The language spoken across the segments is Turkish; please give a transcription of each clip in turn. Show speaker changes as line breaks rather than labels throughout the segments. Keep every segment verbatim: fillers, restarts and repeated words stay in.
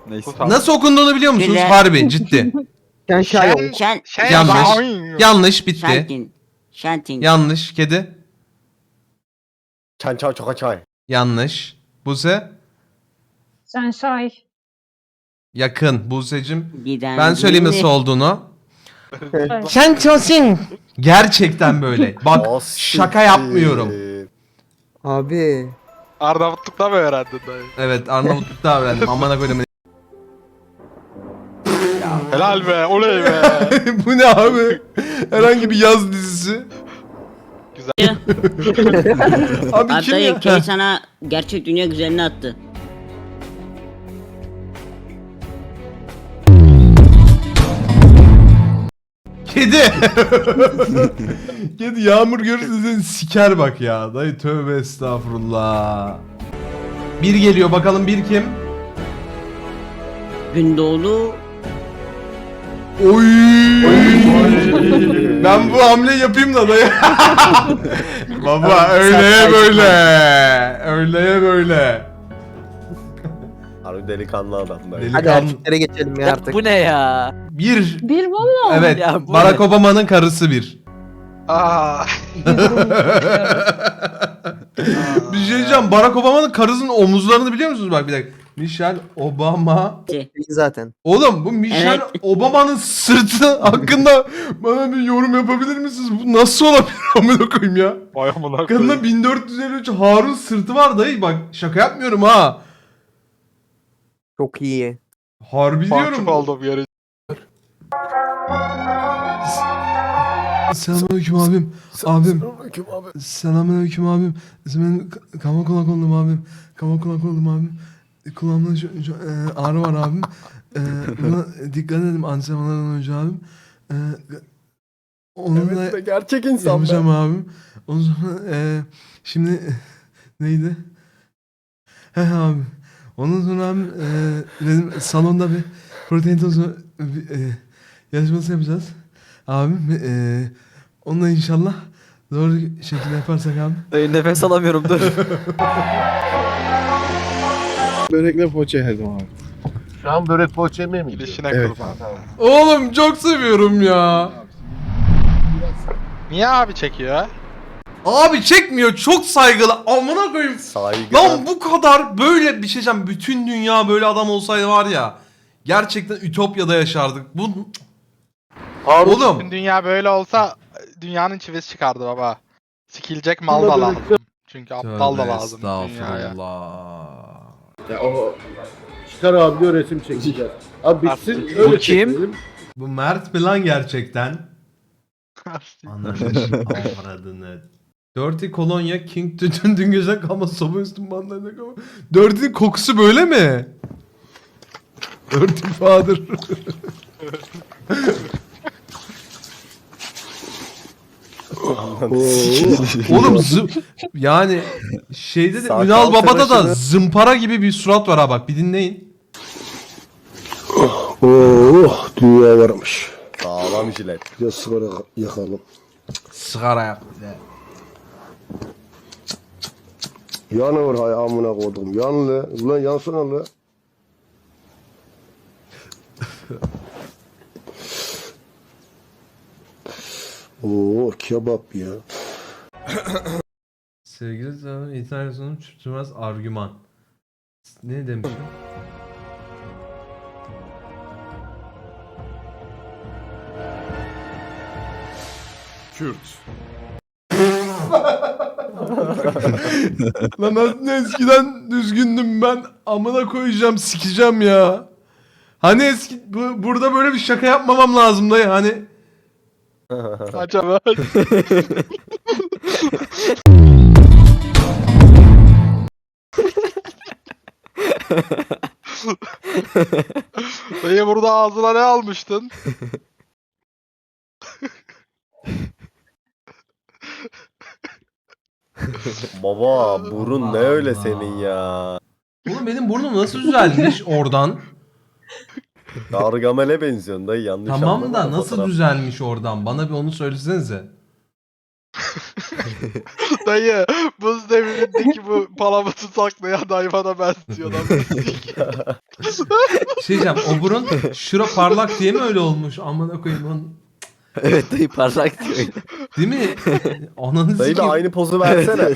Neyse.
Nasıl okunduğunu biliyor musunuz?
Güzel.
Harbi ciddi.
Şen
Şen,
Şey
Yanlış. Yanlış bitti.
Şentin. Şentin.
Yanlış. Kedi.
Çan çay çoka çay.
Yanlış. Buse.
Şenşay.
Yakın. Buse'cim.
Giden
Ben söyleyeyim
yeni-
nasıl olduğunu. Sen çosin. Gerçekten böyle. Bak
O
şaka
siktir.
yapmıyorum.
Abi.
Arnavutluk'ta mı öğrendin dayı?
Evet Arnavutluk'ta öğrendim. Amına koydum.
Helal be, oley be.
Bu ne abi? Herhangi bir yaz dizisi.
Güzel.
Abi kim
Hatta
ya?
Kay sana gerçek dünya güzelini attı.
Kedi. Kedi yağmur görürse seni siker bak ya. Dayı tövbe estağfurullah. Bir geliyor bakalım bir kim?
Gündoğdu.
Oy. Ben bu hamle yapayım da dayı. Baba öyleye böyle. Öyleye böyle.
Harbi delikanlı adam dayı.
Hadi
Delikanlı.
erkeklere geçelim ya
Ya
artık.
bu ne ya?
Bir.
Bir bu mu?
Evet.
Ya bu
Barack
ne?
Obama'nın karısı bir.
Aa.
Bir şey diyeceğim. Barack Obama'nın karısının omuzlarını biliyor musunuz? Bak bir dakika. Michelle Obama.
Şey,
Zaten.
Oğlum bu Michelle
Evet.
Obama'nın sırtı hakkında bana bir yorum yapabilir misiniz? Bu nasıl olabilir amına koyayım ya?
Vay amına
Kadının
koyayım.
bin dört yüz elli üç Harun sırtı var dayı. Bak şaka yapmıyorum ha.
Çok iyi.
Harbi
Mahcup
diyorum.
oldum yarı.
Selamünaleyküm abim. Abim.
Selamünaleyküm abi.
Selamünaleyküm abim. Ben k- kama kulak oldum abim. Kama kulak oldum abim. Kulağımda şu, şu, e, ağrı var abim. E, buna dikkat edin antrenmanlardan önce abim. E, onunla
Evet de gerçek insan
yapacağım
be.
abim. O zaman e, şimdi neydi? He abim. Ondan sonra abim e, dedim salonda bir protein tozu bir, e, yarışması yapacağız. Abim e, onunla inşallah doğru şekilde yaparsak abim.
Dayı nefes alamıyorum dur.
Börekle poğaça yedim abi.
Şu an börek poğaça yemeye mi gidiyor?
Gidişine
Evet.
kurban.
Oğlum çok seviyorum ya.
Niye abi çekiyor?
Abi çekmiyor çok saygılı. Amına koyayım.
Saygı.
Lan bu kadar böyle bir şey diyeceğim. Bütün dünya böyle adam olsaydı var ya. Gerçekten ütopyada yaşardık. Bu Oğlum.
Bütün dünya böyle olsa dünyanın çivisi çıkardı baba. Sikilecek mal da lazım. Çünkü aptal da lazım dünyaya.
Estağfurullah.
Ya o çıkar abi diyor resim çekeceğiz. Abi bitsin
Artık-
öyle
Bu kim?
çekelim.
Bu Mert plan gerçekten. Ananı avradını. Dirty Colonia King tütün dün gece kalma soba üstüm bandayla kalma. Dirty'nin kokusu böyle mi? Dirty Father. Oğlum zı yani şeyde de
Saat
Ünal
altı
Baba'da da
başında-
zımpara gibi bir surat var ha bak bir dinleyin.
Oh dünya varmış.
Sağlam jilet.
Bir de sigara yakalım.
Sigara yak bir de.
Yanıyor hay amına koydum. Yanlı. Ulan yansana la. Oo kebap ya.
Sevgili zaman internasyonun çürütmez argüman. Ne demişim?
Kürt.
Lan aslında eskiden düzgündüm ben. Amına koyacağım sikeceğim ya. Hani eski bu, burada böyle bir şaka yapmamam lazım dayı hani.
Acaba. Dayı burada ağzına ne almıştın?
Baba burun ne öyle
Allah.
senin ya.
Oğlum benim burnum nasıl düzelmiş oradan?
Gargamel'e benziyorsun dayı yanlış
Tamam
anlama
da nasıl
fotoğraf.
düzelmiş oradan? Bana bir onu söylesenize.
Dayı buz devrindeki bu palamutı saklayan hayvana benziyor lan.
Şey diyeceğim, o burun şura parlak diye mi öyle olmuş? Amına koyayım onu.
Evet dayı parlak diyor.
Değil mi? Ananı
Dayı bir
sikeyim.
aynı pozu versene.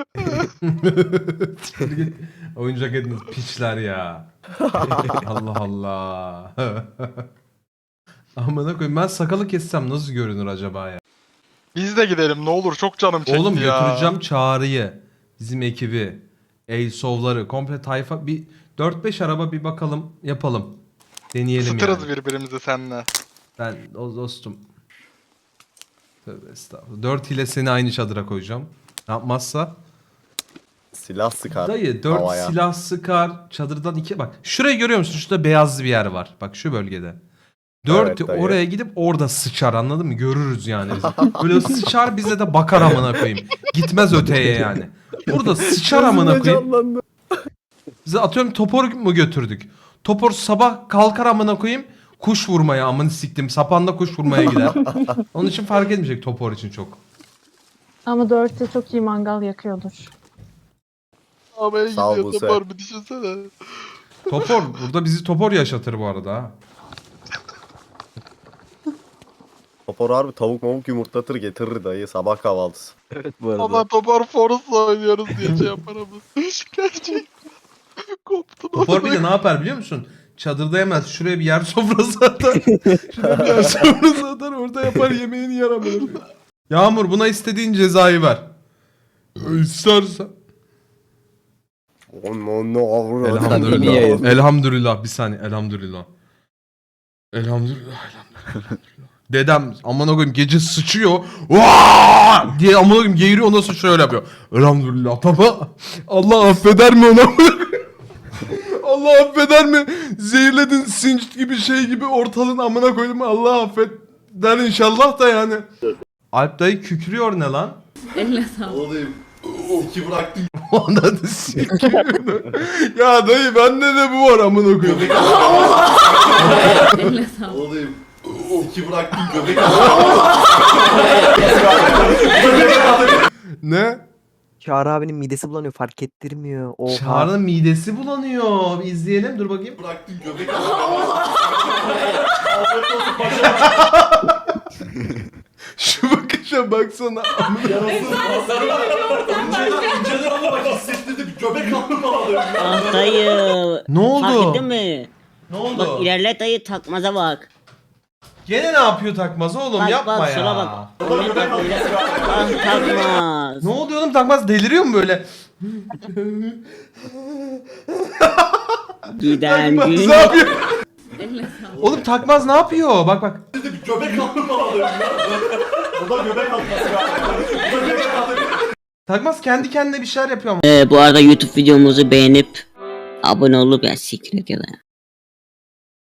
Oyuncak ediniz piçler ya. Allah Allah. Amına koyayım, ben sakalı kessem nasıl görünür acaba ya?
Biz de gidelim ne olur, çok canım çekti
Oğlum
ya.
götüreceğim Çağrı'yı, bizim ekibi, Eysov'ları, komple tayfa, bir dört beş araba bir bakalım yapalım. Deneyelim
Isıtırız
yani.
birbirimizi seninle.
Ben o dostum. Tövbe estağfurullah. Dört ile seni aynı çadıra koyacağım. Ne yapmazsa?
Silah sıkar.
Dayı dört
havaya.
silah sıkar. Çadırdan iki bak. Şurayı görüyor musun? Şurada beyazlı bir yer var. Bak şu bölgede. Dört
Evet, dayı.
oraya gidip orada sıçar, anladın mı? Görürüz yani bizi. Böyle sıçar bize de bakar amına koyayım. Gitmez öteye yani. Burada sıçar amına
Gözümde
koyayım.
canlandı.
Bize atıyorum topor mu götürdük? Topor sabah kalkar amına koyayım. Kuş vurmaya, amını siktim. Sapanda kuş vurmaya gider. Onun için fark etmeyecek topor için çok.
Ama dörtte çok iyi mangal yakıyordur.
Abi
Sağ ol
gidiyor
Buse.
topar bir düşünsene.
Topor burada bizi topor yaşatır bu arada ha.
Topor harbi tavuk mavuk yumurtlatır getirir dayı sabah kahvaltısı.
Evet bu arada.
Ama topar Forest'la oynuyoruz diye şey yapar ama. Gerçekten. Koptum.
Topor bir de ne yapar biliyor musun? Çadırda yemez. Şuraya bir yer sofrası atar. Şuraya bir yer sofrası atar. Orada yapar, yemeğini yer amına. Yağmur, buna istediğin cezayı ver. İstersen.
Onu onu
Elhamdülillah. Elhamdülillah. Bir saniye. Elhamdülillah. Elhamdülillah. Elhamdülillah. Dedem amına koyayım gece sıçıyor. Vaa! diye amına koyayım geğiriyor, ondan sonra şöyle yapıyor. Elhamdülillah baba. Allah affeder mi ona? Allah affeder mi? Zehirledin sinç gibi şey gibi ortalığın amına koydum. Allah affet der inşallah da yani. Alp dayı kükrüyor ne lan?
Eline sağlık.
İki bıraktım.
Ondan da sikiyor. Ya dayı bende de bu var amına koyayım.
Eline sağlık.
Olayım. İki bıraktım göbek.
Ne?
Çağrı abinin midesi bulanıyor, fark ettirmiyor. Oha.
Çağrı'nın midesi bulanıyor. Bir izleyelim, dur bakayım.
Bıraktım göbek.
Şu bakışa baksana.
İnceden ama bak hissettirdim. Göbek aldım bana.
Ah dayı.
Ne oldu?
Fark ettin mi?
Ne oldu?
Bak ilerle dayı, takmaza bak.
Gene ne yapıyor takmaz oğlum,
Bak
yapma
bak
ya.
şuna bak. Öyle bak öyle. Ah takmaz.
Ne oluyor oğlum, takmaz deliriyor mu böyle?
Giden
Takmaz
gün.
ne yapıyor?
Eline sağlık.
Oğlum takmaz ne yapıyor? Bak bak.
Göbek aldım bana. O da göbek alması galiba. Göbek aldım.
Takmaz kendi kendine bir şeyler yapıyor ama.
Ee, bu arada YouTube videomuzu beğenip abone olup ya siktir et ya da.